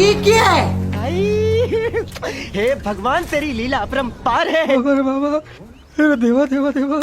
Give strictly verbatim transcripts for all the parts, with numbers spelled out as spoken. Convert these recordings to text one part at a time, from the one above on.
ये क्या है? हे भगवान तेरी लीला अपरंपार है। अरे बाबा, अरे देवा देवा देवा।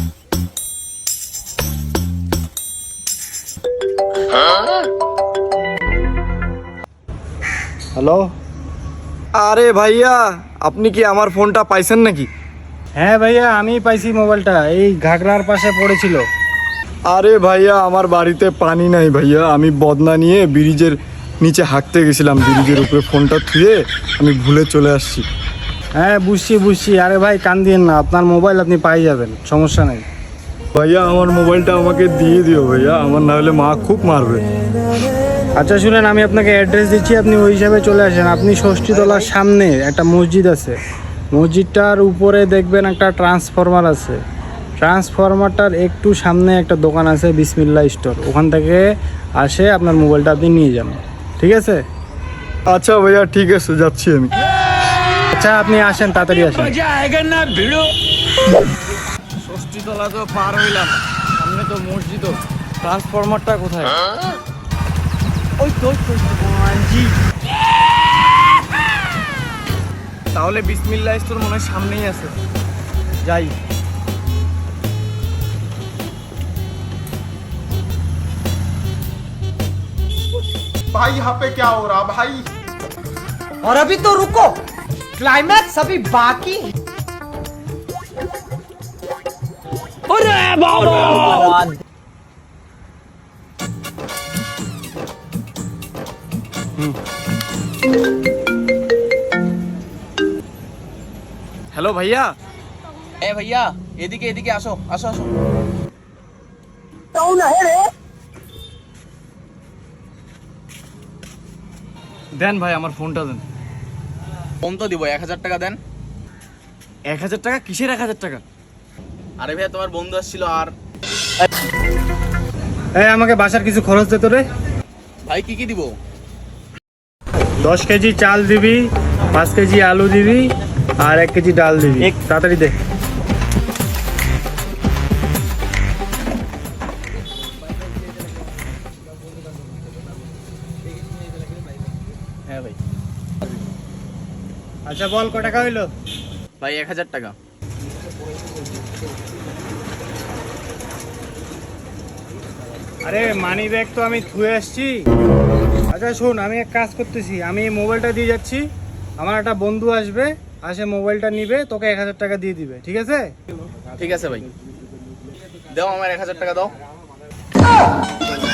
হ্যালো। আরে ভাইয়া, আপনি কি আমার ফোনটা পাইছেন নাকি? হ্যাঁ ভাইয়া, আমি পাইছি মোবাইলটা, এই ঘাগরার পাশে পড়েছিল। আরে ভাইয়া, আমার বাড়িতে পানি নাই ভাইয়া, আমি বদনা নিয়ে ব্রিজের নিচে হাঁকতে গেছিলাম, ব্রিজের উপরে ফোনটা থুয়ে আমি ভুলে চলে আসছি। হ্যাঁ বুঝছি বুঝছি, আরে ভাই কান দিয়েন না, আপনার মোবাইল আপনি পাই যাবেন, সমস্যা নেই। ভাইয়া আমার মোবাইলটা আমাকে দিয়ে দিও ভাইয়া, আমার না হলে মা খুব মারবে। আচ্ছা শুনেন, আমি আপনাকে অ্যাড্রেস দিচ্ছি, আপনি ওই হিসাবে চলে আসেন। আপনি ষষ্ঠীতলার সামনে একটা মসজিদ আছে, মসজিদটার উপরে দেখবেন একটা ট্রান্সফরমার আছে, ট্রান্সফরমারটার একটু সামনে একটা দোকান আছে বিসমিল্লাহ স্টোর, ওখান থেকে আসে আপনার মোবাইলটা আপনি নিয়ে যান, ঠিক আছে? আচ্ছা ভাইয়া ঠিক আছে, যাচ্ছি আমি। আচ্ছা আপনি আসেন, তাড়াতাড়ি আসেন। ষষ্ঠীতলা তো পার হইলাম, সামনে তো মসজিদও, ট্রান্সফরমারটা কোথায়? ওই তো জি, তাহলে বিসমিল্লাহ স্টোর মনে হয় সামনেই আছে, যাই। भाई यहाँ पे क्या हो रहा भाई? और अभी तो रुको, क्लाइमैक्स अभी बाकी है। अरे बाबा! হ্যালো ভাইয়া। এ ভাইয়া, এদিকে এদিকে আসো আসো আসো। দেন ভাই আমার ফোনটা দেন। ফোন তো দিব, এক হাজার টাকা দেন। এক হাজার টাকা? কিসের এক হাজার টাকা? আরে ভাইয়া, তোমার বন্ধু আসছিল। আর এই আমাকে বাসার কিছু খরচ দে তো রে। ভাই কি কি দিব? দশ কেজি চাল দিবি, পাঁচ কেজি আলু দিবি, আর এক কেজি ডাল দিবি, তাড়াতাড়ি দে। হ্যাঁ ভাই। আচ্ছা বল, কত টাকা হইলো? ভাই এক হাজার টাকা। আরে মানি ব্যাগ তো আমি ধুয়ে আসছি। আচ্ছা শোন, আমি এক কাজ করতেছি, আমি এই মোবাইলটা দিয়ে যাচ্ছি, আমার একটা বন্ধু আসবে, আসে মোবাইলটা নিবে, তোকে এক হাজার টাকা দিয়ে দিবে, ঠিক আছে? ঠিক আছে ভাই, দাও আমার এক হাজার টাকা দাও।